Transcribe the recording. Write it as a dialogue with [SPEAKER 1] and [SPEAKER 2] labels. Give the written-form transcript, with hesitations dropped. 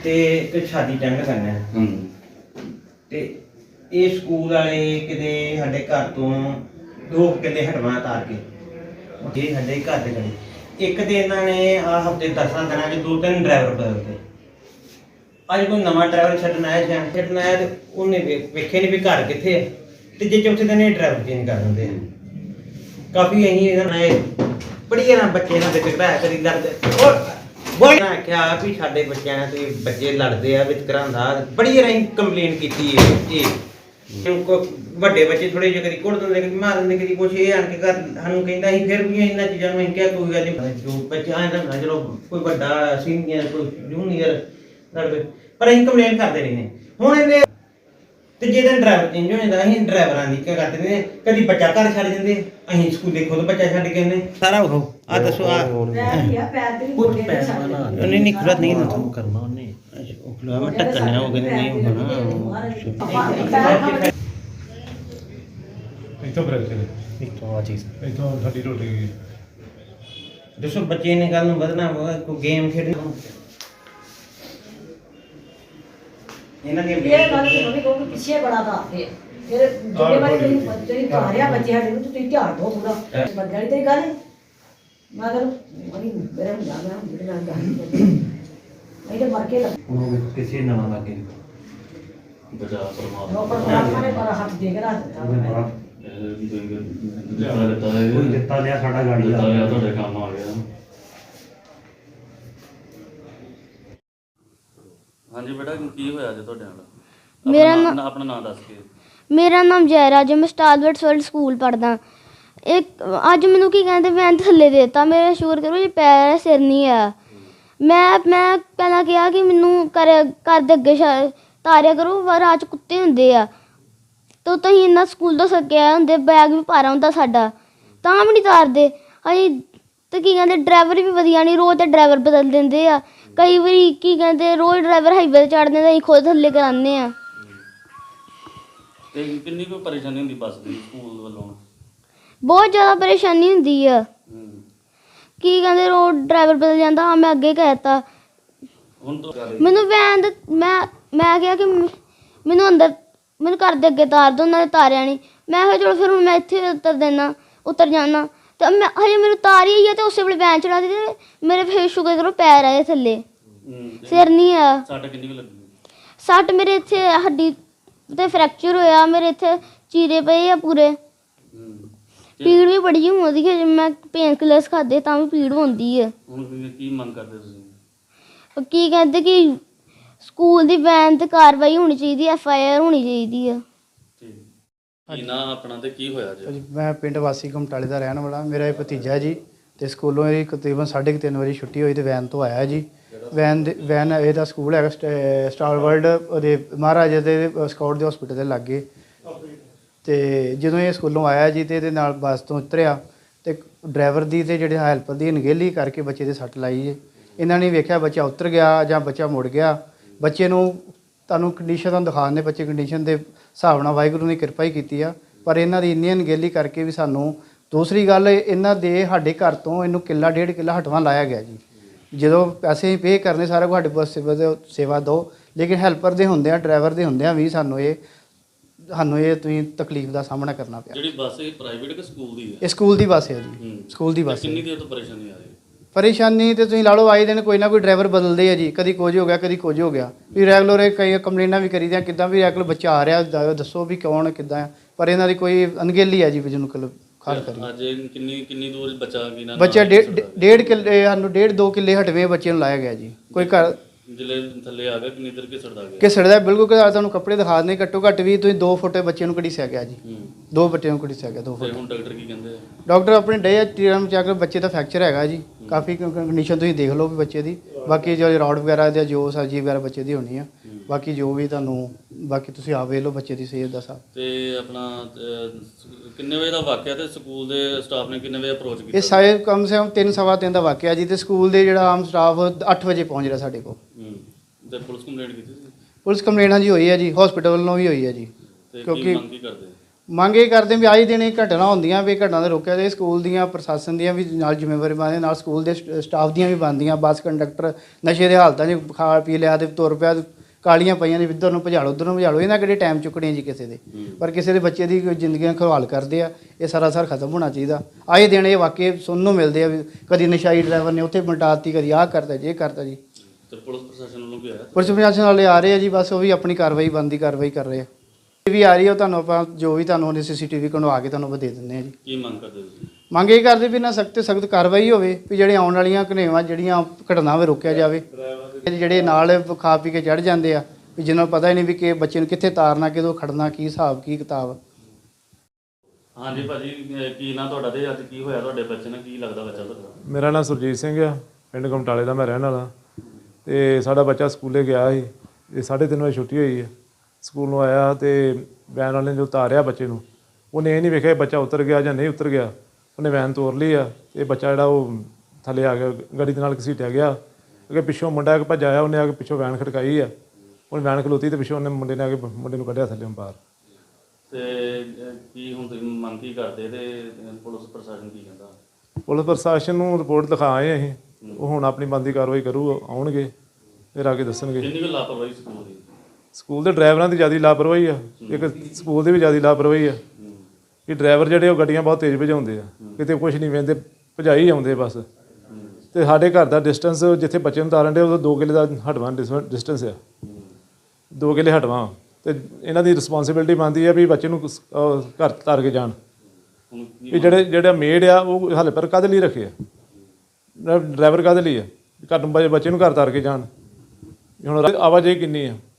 [SPEAKER 1] ਤੇ ਇੱਕ ਛਾਤੀ ਟੈਂਡ ਕਰਨਾ ਤੇ ਇਹ ਸਕੂਲ ਵਾਲੇ ਕਿਤੇ ਸਾਡੇ ਘਰ ਤੋਂ 2 ਕਿੱਲੇ ਹਟਵਾ ਤਾਰ ਕੇ ਇਹ ਸਾਡੇ ਘਰ ਦੇ ਗਏ। ਇੱਕ ਤੇ ਇਹਨਾਂ ਨੇ ਆ ਹਫਤੇ 10 ਦਿਨਾਂ 'ਚ 2-3 ਡਰਾਈਵਰ ਬਦਲਦੇ। ਅੱਜ ਕੋਈ ਨਵਾਂ ਡਰਾਈਵਰ ਛੱਡਣ ਆਇਆ ਤੇ ਉਹਨੇ ਵੇਖੇ ਨਹੀਂ ਵੀ ਘਰ ਕਿੱਥੇ ਹੈ ਤੇ ਜੇ ਚੌਥੇ ਦਿਨ ਇਹ ਡਰਾਈਵਰ ਚੇਂਜ ਕਰ ਦਿੰਦੇ ਆ। ਕਾਫੀ ਅਸੀਂ ਇਹਨਾਂ ਨੇ ਬੜੀ ਨਾ ਬੱਚੇ ਨਾਲ ਵਿਤਕਰਾ ਕਰੀ ਲੜਦੇ ਬੜੀ ਨਾ ਕਿਹਾ ਵੀ ਸਾਡੇ ਬੱਚਿਆਂ ਨਾਲ ਤੁਸੀਂ ਬੱਚੇ ਲੜਦੇ ਆ ਵਿਤਕਰਾ ਹੁੰਦਾ। ਬੜੀ ਅਸੀਂ ਕੰਪਲੇਨ ਕੀਤੀ ਇਹ ਵੱਡੇ ਬੱਚੇ ਥੋੜੇ ਜਿਹੇ ਕਦੀ ਕੁੱਟ ਦਿੰਦੇ ਕਦੀ ਮਾਰ ਦਿੰਦੇ ਕਦੀ ਕੁਛ ਇਹ ਆਣ ਕੇ ਘਰ ਸਾਨੂੰ ਕਹਿੰਦਾ ਸੀ ਫਿਰ ਵੀ ਇਹਨਾਂ ਚੀਜ਼ਾਂ ਨੂੰ ਅਸੀਂ ਕਿਹਾ ਕੋਈ ਗੱਲ ਨਹੀਂ ਜੋ ਬੱਚਾ ਆਇਆ ਨਾ ਚਲੋ ਕੋਈ ਵੱਡਾ ਸੀਨੀਅਰ ਕੋਈ ਜੂਨੀਅਰ ਲੜਦੇ ਪਰ ਅਸੀਂ ਕੰਪਲੇਨ ਕਰਦੇ ਰਹਿੰਦੇ। ਹੁਣ ਇਹਨੇ ਤੀਜੇ ਦਿਨ ਡਰਾਈਵਰ ਚੇਂਜ ਹੋ ਜਾਂਦਾ। ਅਸੀਂ ਡਰਾਈਵਰਾਂ ਦੀ ਕੀ ਕਰਦੇ ਨੇ ਕਦੀ ਬੱਚਾ ਘਰ ਛੱਡ ਜਾਂਦੇ ਅਸੀਂ ਸਕੂਲੇ ਖੁਦ ਬੱਚਾ ਛੱਡ ਕੇ ਆਉਂਦੇ ਸਾਰਾ ਉਹ ਆ ਦੱਸੋ ਆ ਉਹਨੇ ਨਹੀਂ ਖੁੱਲ੍ਹਾ ਨਹੀਂ ਕਰਨਾ ਉਹਨੇ ਉਹ ਖੁੱਲ੍ਹਾ ਮੈਂ ਢੱਕਣਾ ਉਹ ਕਹਿੰਦੇ ਨਹੀਂ ਹੋਣਾ
[SPEAKER 2] ਇੱਥੋਂ ਬ੍ਰੇਕ ਚਲੇ
[SPEAKER 1] ਇੱਥੋਂ ਆ ਚੀਜ਼
[SPEAKER 2] ਇੱਥੋਂ ਸਾਡੀ ਰੋਟੀ ਗਈ।
[SPEAKER 1] ਦੱਸੋ ਬੱਚੇ ਨੇ ਕੱਲ ਨੂੰ ਵਧਣਾ ਕੋਈ ਗੇਮ ਖੇਡਣਾ ਇਹਨਾਂ ਦੀ
[SPEAKER 3] ਇਹ ਗੱਲ ਮੰਮੀ ਕਹੋ ਕਿ ਪਿੱਛੇ ਬੜਾ ਦੱਸਦੇ ਫਿਰ ਜਿਹੜੇ ਵਾਰੀ ਤੁਸੀਂ ਘਾਰਿਆ ਬੱਚੇ ਸਾਡੇ ਨੂੰ ਤੁਸੀਂ ਧਿਆਨ ਦਿਓ ਪੂਰਾ ਬੰਦਿਆਂ ਦੀ ਤੇਰੀ ਗੱਲ ਮੈਂ ਕਰ ਮਰੀ ਮੇਰੇ ਨੂੰ ਜਾਣਾ ਮੇਰੇ ਨਾਲ ਜਾਣੀ ਨਹੀਂ ਤੇ ਮਰ ਕੇ ਲੱਗ
[SPEAKER 1] ਉਹ ਕਿਸੇ ਨਵਾਂ ਲੱਗੇ
[SPEAKER 4] ਬਚਾ ਪਰਮਾਤਮਾ
[SPEAKER 3] ਉਹ ਪਰਮਾਤਮਾ ਨੇ ਪਰ ਹੱਥ ਦੇ ਕੇ ਰੱਖ ਦਿੱਤਾ
[SPEAKER 1] ਕੋਈ ਦਿੱਤਾ ਲਿਆ ਸਾਡਾ ਗਾੜੀ ਦਾ
[SPEAKER 4] ਤੁਹਾਡੇ ਕੰਮ ਆ ਗਿਆ। ਹਾਂਜੀ ਬੇਟਾ ਕੀ ਹੋਇਆ ਅੱਜ ਤੁਹਾਡੇ ਨਾਲ?
[SPEAKER 5] ਮੇਰਾ
[SPEAKER 4] ਆਪਣਾ ਨਾਮ ਦੱਸ ਕੇ।
[SPEAKER 5] ਮੇਰਾ ਨਾਮ ਜੈਰਾਜ ਹੈ। ਮੈਂ ਸਟਾਰਵਰਡ ਵਰਲਡ ਸਕੂਲ ਪੜ੍ਹਦਾ। ਇੱਕ ਅੱਜ ਮੈਨੂੰ ਕੀ ਕਹਿੰਦੇ ਵੈਨ ਥੱਲੇ ਦੇ ਦਿੱਤਾ। ਮੇਰੇ ਸ਼ੁਕਰ ਕਰੋ ਜੀ ਪੈਰ ਸਿਰ ਨਹੀਂ ਆ। ਮੈਂ ਪਹਿਲਾਂ ਕਿਹਾ ਕਿ ਮੈਨੂੰ ਘਰ ਦੇ ਅੱਗੇ ਤਾਰਿਆ ਕਰੋ ਰਾਹ 'ਚ ਕੁੱਤੇ ਹੁੰਦੇ ਆ ਤਾਂ ਤੁਸੀਂ ਇੰਨਾ ਸਕੂਲ ਤੋਂ ਸੱਕਿਆ ਹੁੰਦੇ ਬੈਗ ਵੀ ਭਾਰਾ ਹੁੰਦਾ ਸਾਡਾ ਤਾਂ ਵੀ ਨਹੀਂ ਤਾਰਦੇ। ਅਸੀਂ ਅਤੇ ਕੀ ਕਹਿੰਦੇ ਡਰਾਈਵਰ ਵੀ ਵਧੀਆ ਨਹੀਂ ਰੋਜ਼ ਤਾਂ ਡਰਾਈਵਰ ਬਦਲ ਦਿੰਦੇ ਆ। ਕਈ ਵਾਰੀ ਕੀ ਕਹਿੰਦੇ ਰੋਜ਼ ਡਰਾਈਵਰ ਹਾਈਵੇ 'ਤੇ ਚੜ੍ਹ ਦਿੰਦੇ ਅਸੀਂ ਖੁਦ ਥੱਲੇ ਕਰਾਉਂਦੇ ਹਾਂ।
[SPEAKER 4] ਤੇ ਕਿੰਨੀ ਕੋਈ ਪਰੇਸ਼ਾਨੀ ਹੁੰਦੀ ਬੱਸ ਦੀ ਸਕੂਲ ਵੱਲੋਂ?
[SPEAKER 5] ਬਹੁਤ ਜ਼ਿਆਦਾ ਪਰੇਸ਼ਾਨੀ ਹੁੰਦੀ ਆ। ਕੀ ਕਹਿੰਦੇ ਰੋਜ਼ ਡਰਾਈਵਰ ਬਦਲ ਜਾਂਦਾ। ਹਾਂ ਮੈਂ ਅੱਗੇ ਕਹਿ ਦਿੱਤਾ
[SPEAKER 4] ਹੁਣ
[SPEAKER 5] ਮੈਨੂੰ ਵੈਨ ਦਾ ਮੈਂ ਕਿਹਾ ਕਿ ਮੈਨੂੰ ਘਰ ਦੇ ਅੱਗੇ ਤਾਰ ਦਿਓ। ਉਹਨਾਂ ਨੇ ਤਾਰਿਆ ਨਹੀਂ। ਮੈਂ ਕਿਹਾ ਚਲੋ ਫਿਰ ਹੁਣ ਮੈਂ ਇੱਥੇ ਉਤਰ ਜਾਣਾ ਅਤੇ ਮੈਂ ਹਜੇ ਮੈਨੂੰ ਤਾਰ ਹੀ ਹੈ ਅਤੇ ਉਸੇ ਵੇਲੇ ਵੈਨ ਚੜਾ ਦਿੱਤੀ। ਮੇਰੇ ਫਿਰ ਸ਼ੁਕਰ ਕਰੋ ਪੈਰ ਆਏ ਥੱਲੇ ਸਿਰ ਨਹੀਂ ਆ।
[SPEAKER 4] ਸੱਟ ਕਿੰਨੀ ਕੁ ਲੱਗੀ?
[SPEAKER 5] ਸੱਟ ਮੇਰੇ ਇੱਥੇ ਹੱਡੀ 'ਤੇ ਫਰੈਕਚਰ ਹੋਇਆ। ਮੇਰੇ ਇੱਥੇ ਚੀਰੇ ਪਏ ਆ ਪੂਰੇ। ਪੀੜ ਵੀ ਬੜੀ ਹੁੰਦੀ ਹੈ। ਜੇ ਮੈਂ ਪੇਨ ਕਿਲਰਸ ਖਾਦੇ ਤਾਂ ਵੀ ਪੀੜ ਹੁੰਦੀ ਹੈ।
[SPEAKER 4] ਹੁਣ ਕੀ ਮੰਗ ਕਰਦੇ ਤੁਸੀਂ?
[SPEAKER 5] ਕੀ ਕਹਿੰਦੇ ਕਿ ਸਕੂਲ ਦੀ ਵੈਨ 'ਤੇ ਕਾਰਵਾਈ ਹੋਣੀ ਚਾਹੀਦੀ। FIR ਹੋਣੀ ਚਾਹੀਦੀ ਆ।
[SPEAKER 4] ਕੀ ਨਾਂ ਆਪਣਾ ਤੇ ਕੀ ਹੋਇਆ ਜੀ?
[SPEAKER 6] ਮੈਂ ਪਿੰਡ ਵਾਸੀ ਘਮਟਾਲੇ ਦਾ ਰਹਿਣ ਵਾਲਾ। ਮੇਰਾ ਇਹ ਭਤੀਜਾ ਜੀ ਅਤੇ ਸਕੂਲੋਂ ਇਹ ਤਕਰੀਬਨ 3:30 ਵਜੇ ਛੁੱਟੀ ਹੋਈ ਅਤੇ ਵੈਨ ਤੋਂ ਆਇਆ ਜੀ। ਵੈਨ ਇਹਦਾ ਸਕੂਲ ਹੈਗਾ ਸਟਾਰ ਵਰਲਡ ਉਹਦੇ ਮਹਾਰਾਜਾ ਦੇ ਸਕਾਊਟ ਦੇ ਹਸਪੀਟਲ ਦੇ ਲਾਗੇ। ਅਤੇ ਜਦੋਂ ਇਹ ਸਕੂਲੋਂ ਆਇਆ ਜੀ ਅਤੇ ਇਹਦੇ ਨਾਲ ਬੱਸ ਤੋਂ ਉਤਰਿਆ ਅਤੇ ਡਰਾਈਵਰ ਦੀ ਅਤੇ ਜਿਹੜੇ ਹੈਲਪਰ ਦੀ ਅਣਗਹਿਲੀ ਕਰਕੇ ਬੱਚੇ ਦੇ ਸੱਟ ਲਾਈ ਜੀ। ਇਹਨਾਂ ਨੇ ਵੇਖਿਆ ਬੱਚਾ ਉਤਰ ਗਿਆ ਜਾਂ ਬੱਚਾ ਮੁੜ ਗਿਆ। ਬੱਚੇ ਨੂੰ ਤੁਹਾਨੂੰ ਕੰਡੀਸ਼ਨ ਦਿਖਾ ਦਿੰਦੇ। ਬੱਚੇ ਕੰਡੀਸ਼ਨ ਦੇ ਹਿਸਾਬ ਨਾਲ ਵਾਹਿਗੁਰੂ ਨੇ ਕਿਰਪਾ ਹੀ ਕੀਤੀ ਆ। ਪਰ ਇਹਨਾਂ ਦੀ ਇੰਨੀ ਅਣਗਹਿਲੀ ਕਰਕੇ ਵੀ ਸਾਨੂੰ ਦੂਸਰੀ ਗੱਲ ਇਹਨਾਂ ਦੇ ਸਾਡੇ ਘਰ ਤੋਂ ਇਹਨੂੰ ਕਿੱਲਾ 1.5 ਕਿੱਲਾ ਹਟਵਾ ਲਾਇਆ ਗਿਆ ਜੀ। ਜਦੋਂ ਪੈਸੇ ਪੇ ਕਰਨੇ ਸਾਰਾ ਕੁਝ ਸਾਡੇ ਪਾਸ ਸੇਵਾ ਦਿਓ ਲੇਕਿਨ ਹੈਲਪਰ ਦੇ ਹੁੰਦਿਆਂ ਡਰਾਈਵਰ ਦੇ ਹੁੰਦਿਆਂ ਵੀ ਸਾਨੂੰ ਇਹ ਤੁਸੀਂ ਤਕਲੀਫ ਦਾ ਸਾਹਮਣਾ ਕਰਨਾ ਪਿਆ।
[SPEAKER 4] ਜਿਹੜੀ ਬੱਸ ਇਹ ਪ੍ਰਾਈਵੇਟ ਕਿ ਸਕੂਲ ਦੀ ਹੈ?
[SPEAKER 6] ਇਹ ਸਕੂਲ ਦੀ ਬੱਸ ਹੈ ਜੀ। ਸਕੂਲ ਦੀ ਬੱਸ।
[SPEAKER 4] ਕਿੰਨੀ ਦੇਰ ਤੋਂ ਪਰੇਸ਼ਾਨੀ ਆ ਰਹੀ?
[SPEAKER 6] ਪਰੇਸ਼ਾਨੀ ਤੇ ਤੁਸੀਂ ਲਾ ਲਓ ਆਏ ਦਿਨ ਕੋਈ ਨਾ ਕੋਈ ਡਰਾਈਵਰ ਬਦਲਦੇ ਆ ਜੀ। ਕਦੀ ਕੁਝ ਹੋ ਗਿਆ ਕਦੀ ਕੁਝ ਹੋ ਗਿਆ ਵੀ ਰੈਗੂਲਰ ਕਈ ਕੰਪਲੇਨਾਂ ਵੀ ਕਰੀਦੀਆਂ ਕਿੱਦਾਂ ਵੀ ਰੈਗੂਲਰ ਬੱਚਾ ਆ ਰਿਹਾ ਦੱਸੋ ਵੀ ਕੌਣ ਕਿੱਦਾਂ। ਪਰ ਇਹਨਾਂ ਦੀ ਕੋਈ ਅਣਗਹਿਲੀ ਆ ਜੀ ਵੀ ਜਿਹਨੂੰ ਖਾਲ ਕਰੀ।
[SPEAKER 4] ਅੱਜ ਕਿੰਨੀ ਦੂਰ ਬੱਚਾ
[SPEAKER 6] ਬੱਚਾ 1.5 ਕਿੱਲੇ ਸਾਨੂੰ 1.5-2 ਕਿੱਲੇ ਹਟਵੇਂ ਬੱਚੇ ਨੂੰ ਲਾਇਆ ਗਿਆ ਜੀ। ਕੋਈ ਘਰ
[SPEAKER 4] ਜਿਲੇ ਥੱਲੇ ਆ ਗਿਆ ਕਿੰਨੀ ਦੇਰ ਘਿਸੜਦਾ ਗਿਆ?
[SPEAKER 6] ਘਿਸੜਦਾ ਬਿਲਕੁਲ। ਤੁਹਾਨੂੰ ਕੱਪੜੇ ਦਿਖਾ ਦਿੰਦੇ ਘੱਟੋ ਘੱਟ ਵੀ ਤੁਸੀਂ 2 ਫੁੱਟ ਬੱਚੇ ਨੂੰ ਘੜੀਸਿਆ ਗਿਆ ਜੀ। 2 ਬੱਚੇ ਨੂੰ ਘੜੀਸਿਆ ਗਿਆ 2 ਫੁੱਟ।
[SPEAKER 4] ਹੁਣ ਡਾਕਟਰ ਕੀ ਕਹਿੰਦੇ?
[SPEAKER 6] ਡਾਕਟਰ ਆਪਣੇ ਡੇ ਟੀਰਮ ਚੈੱਕ ਬੱਚੇ ਦਾ ਫ੍ਰੈਕਚਰ ਹੈਗਾ ਜੀ। ਕਾਫੀ ਕੰਡੀਸ਼ਨ ਤੁਸੀਂ ਦੇਖ ਲਓ ਵੀ ਬੱਚੇ ਦੀ। ਬਾਕੀ ਜੋ ਰੋਡ ਵਗੈਰਾ ਜਾਂ ਜੋ ਸਰਜਰੀ ਵਗੈਰਾ ਬੱਚੇ ਦੀ ਹੋਣੀ ਆ। ਬਾਕੀ ਜੋ ਵੀ ਤੁਹਾਨੂੰ ਬਾਕੀ ਤੁਸੀਂ ਆਪ ਵੇਖ ਲਓ ਬੱਚੇ ਦੀ ਸਿਹਤ ਦਾ ਸਭ।
[SPEAKER 4] ਤੇ ਆਪਣਾ ਕਿੰਨੇ ਵਜੇ ਦਾ ਵਾਕਿਆ ਤੇ ਸਕੂਲ ਦੇ ਸਟਾਫ ਨੇ ਕਿੰਨੇ ਵਜੇ ਅਪਰੋਚ ਕੀਤਾ?
[SPEAKER 6] ਇਹ ਸਾਰੇ ਕਮ ਸੇ ਕਮ 3-3:15 ਦਾ ਵਾਕਿਆ ਜੀ। ਤੇ ਸਕੂਲ ਦੇ ਜਿਹੜਾ ਆਮ ਸਟਾਫ 8 ਵਜੇ ਪਹੁੰਚ ਰਿਹਾ ਸਾਡੇ ਕੋਲ।
[SPEAKER 4] ਤੇ ਪੁਲਿਸ ਕੰਪਲੇਂਟ ਕੀਤੀ ਸੀ?
[SPEAKER 6] ਪੁਲਿਸ ਕੰਪਲੇਂਟ ਹਾਂਜੀ ਹੋਈ ਹੈ ਜੀ। ਹਸਪੀਟਲ ਵੱਲੋਂ ਵੀ ਹੋਈ ਹੈ ਜੀ।
[SPEAKER 4] ਕਿਉਂਕਿ ਮੰਗ ਕੀ ਕਰਦੇ?
[SPEAKER 6] ਮੰਗ ਇਹ ਕਰਦੇ ਵੀ ਆਏ ਦਿਨ ਇਹ ਘਟਨਾ ਹੁੰਦੀਆਂ ਵੀ ਘਟਨਾ ਦੇ ਰੋਕਿਆ ਜਾਏ। ਸਕੂਲ ਦੀਆਂ ਪ੍ਰਸ਼ਾਸਨ ਦੀਆਂ ਵੀ ਨਾਲ ਜ਼ਿੰਮੇਵਾਰੀ ਬਣਦੀ, ਨਾਲ ਸਕੂਲ ਦੇ ਸਟਾਫ ਦੀਆਂ ਵੀ ਬਣਦੀਆਂ। ਬੱਸ ਕੰਡਕਟਰ ਨਸ਼ੇ ਦੇ ਹਾਲਤਾਂ 'ਚ ਖਾ ਪੀ ਲਿਆ ਤੇ ਤੁਰ ਪਿਆ, ਕਾਲੀਆਂ ਪਈਆਂ ਨੇ, ਇੱਧਰ ਨੂੰ ਭਜਾਲੋ ਉੱਧਰ ਨੂੰ ਭਜਾਲੋ, ਇਹਨਾਂ ਕਿਹੜੇ ਟਾਈਮ ਚੁੱਕਣੇ ਜੀ ਕਿਸੇ ਦੇ। ਪਰ ਕਿਸੇ ਦੇ ਬੱਚੇ ਦੀ ਜ਼ਿੰਦਗੀਆਂ ਖਵਾਲ ਕਰਦੇ ਆ। ਇਹ ਸਰਾਸਰ ਖਤਮ ਹੋਣਾ ਚਾਹੀਦਾ। ਆਏ ਦਿਨ ਇਹ ਵਾਕਏ ਸੁਣਨ ਨੂੰ ਮਿਲਦੇ ਆ ਵੀ ਕਦੀ ਨਸ਼ਾਈ ਡਰਾਈਵਰ ਨੇ ਉੱਥੇ ਮਿਟਾਤੀ, ਕਦੀ ਆਹ ਕਰਤਾ ਜੇ ਕਰਤਾ ਜੀ।
[SPEAKER 4] ਤੇ ਪੁਲਿਸ ਪ੍ਰਸ਼ਾਸਨ ਵੱਲੋਂ ਕੀ ਆਇਆ?
[SPEAKER 6] ਪੁਲਿਸ ਪ੍ਰਸ਼ਾਸਨ ਵਾਲੇ ਆ ਰਹੇ ਆ ਜੀ, ਬਸ ਉਹ ਵੀ ਆਪਣੀ ਕਾਰਵਾਈ ਬਣਦੀ ਕਾਰਵਾਈ ਕਰ ਰਹੇ ਆ। ਇਹ ਵੀ ਆ ਰਹੀ ਆ, ਉਹ ਤੁਹਾਨੂੰ ਆਪਾਂ ਜੋ ਵੀ ਤੁਹਾਨੂੰ ਉਹਨੇ CCTV ਕਢਵਾ ਕੇ ਤੁਹਾਨੂੰ ਦੇ ਦਿੰਦੇ ਆ ਜੀ।
[SPEAKER 4] ਕੀ ਮੰਗ ਕਰਦੇ ਤੁਸੀਂ?
[SPEAKER 6] ਮੰਗ ਇਹ ਕਰਦੇ ਵੀ ਨਾ ਸਖਤ ਸਖਤ ਕਾਰਵਾਈ ਹੋਵੇ ਵੀ ਜਿਹੜੇ ਆਉਣ ਵਾਲੀਆਂ ਘਨੇਵਾਂ ਜਿਹੜੀਆਂ ਘਟਨਾਵਾਂ ਰੋਕਿਆ ਜਾਵੇ। ਜਿਹੜੇ ਨਾਲ ਖਾ ਪੀ ਕੇ ਚੜ ਜਾਂਦੇ ਆ ਵੀ ਜਿਹਨਾਂ ਨੂੰ ਪਤਾ ਹੀ ਨਹੀਂ ਵੀ ਕਿ ਬੱਚੇ ਨੂੰ ਕਿੱਥੇ ਤਾਰਨਾ, ਕਿਦੋਂ ਖੜਨਾ, ਕੀ ਹਿਸਾਬ ਕੀ ਕਿਤਾਬ।
[SPEAKER 4] ਹਾਂਜੀ ਭਾਜੀ, ਕੀ ਨਾਂ ਤੁਹਾਡਾ ਤੇ ਅੱਜ ਕੀ ਹੋਇਆ ਤੁਹਾਡੇ ਬੱਚੇ ਨਾਲ? ਕੀ ਲੱਗਦਾ ਬੱਚਾ ਤੁਹਾਡਾ?
[SPEAKER 2] ਮੇਰਾ ਨਾਮ ਸੁਰਜੀਤ ਸਿੰਘ ਆ, ਪਿੰਡ ਕਮਟਾਲੇ ਦਾ ਮੈਂ ਰਹਿਣ ਵਾਲਾ। ਤੇ ਸਾਡਾ ਬੱਚਾ ਸਕੂਲੇ ਗਿਆ ਸੀ, ਇਹ 3:30 ਵਜੇ ਛੁੱਟੀ ਹੋਈ ਹੈ। ਸਕੂਲ ਨੂੰ ਆਇਆ ਤੇ ਵੈਨ ਵਾਲੇ ਨੇ ਜੋ ਉਤਾਰਿਆ ਬੱਚੇ ਨੂੰ, ਉਹਨੇ ਇਹ ਨਹੀਂ ਵੇਖਿਆ ਬੱਚਾ ਉਤਰ ਗਿਆ ਜਾਂ ਨਹੀਂ ਉਤਰ ਗਿਆ। ਉਹਨੇ ਵੈਨ ਤੋਰ ਲਈ ਆ ਤੇ ਬੱਚਾ ਜਿਹੜਾ ਉਹ ਥੱਲੇ ਆ ਗਿਆ, ਗੱਡੀ ਦੇ ਨਾਲ ਘਸੀਟਿਆ ਗਿਆ। ਅੱਗੇ ਪਿੱਛੋਂ ਮੁੰਡਾ ਇੱਕ ਭੱਜ ਆਇਆ, ਉਹਨੇ ਆ ਕੇ ਪਿੱਛੋਂ ਵੈਨ ਖੜਕਾਈ ਆ। ਉਹਨੇ ਵੈਨ ਖਲੋਤੀ ਤੇ ਪਿੱਛੋਂ ਉਹਨੇ ਮੁੰਡੇ ਨੇ ਆ ਕੇ ਮੁੰਡੇ ਨੂੰ ਕੱਢਿਆ ਥੱਲੇ ਬਾਹਰ।
[SPEAKER 4] ਤੇ ਕੀ ਹੁਣ ਤੁਸੀਂ ਮੰਗ ਕੀ ਕਰਦੇ ਤੇ ਪੁਲਿਸ ਪ੍ਰਸ਼ਾਸਨ ਕੀ ਕਹਿੰਦਾ?
[SPEAKER 2] ਪੁਲਿਸ ਪ੍ਰਸ਼ਾਸਨ ਨੂੰ ਰਿਪੋਰਟ ਲਿਖਾ ਆਏ ਅਸੀਂ, ਉਹ ਹੁਣ ਆਪਣੀ ਬਣਦੀ ਕਾਰਵਾਈ ਕਰੂ, ਆਉਣਗੇ ਫਿਰ ਆ ਕੇ ਦੱਸਣਗੇ।
[SPEAKER 4] ਕਿੰਨੀ ਕੁ ਲਾਪਰਵਾਹੀ ਸਕੂਲ ਦੀ?
[SPEAKER 2] ਸਕੂਲ ਦੇ ਡਰਾਈਵਰਾਂ ਦੀ ਜ਼ਿਆਦਾ ਲਾਪਰਵਾਹੀ ਆ, ਇੱਕ ਸਕੂਲ ਦੀ ਵੀ ਜ਼ਿਆਦਾ ਲਾਪਰਵਾਹੀ ਆ ਕਿ ਡਰਾਈਵਰ ਜਿਹੜੇ ਉਹ ਗੱਡੀਆਂ ਬਹੁਤ ਤੇਜ਼ ਭਜਾਉਂਦੇ ਆ, ਕਿਤੇ ਕੁਝ ਨਹੀਂ ਵੇਂਦੇ, ਭਜਾਈ ਆਉਂਦੇ ਬਸ। ਤੇ ਸਾਡੇ ਘਰ ਦਾ ਡਿਸਟੈਂਸ ਜਿੱਥੇ ਬੱਚੇ ਨੂੰ ਤਾਰਨ ਦੇ ਉਹ 2 ਕਿਲੇ ਦਾ ਹਟਵਾਂ ਡਿਸਟੈਂਸ ਆ, 2 ਕਿਲੇ ਹਟਵਾਂ। ਤੇ ਇਹਨਾਂ ਦੀ ਰਿਸਪੌਂਸਿਬਿਲਟੀ ਬਣਦੀ ਆ ਵੀ ਬੱਚੇ ਨੂੰ ਘਰ ਤਾਰ ਕੇ ਜਾਣ।
[SPEAKER 4] ਹੁਣ ਕੀ
[SPEAKER 2] ਵੀ ਜਿਹੜਾ ਮੇਡ ਆ ਉਹ ਹਾਲੇ ਪਰ ਕਾਹਦੇ ਲਈ ਰੱਖੇ ਆ, ਡਰਾਈਵਰ ਕਾਹਦੇ ਲਈ ਆ? ਘਰ ਨੂੰ ਬੱਚੇ ਨੂੰ ਘਰ ਤਾਰ ਕੇ ਜਾਣ। ਹੁਣ ਆਵਾਜਾਈ ਕਿੰਨੀ ਆ।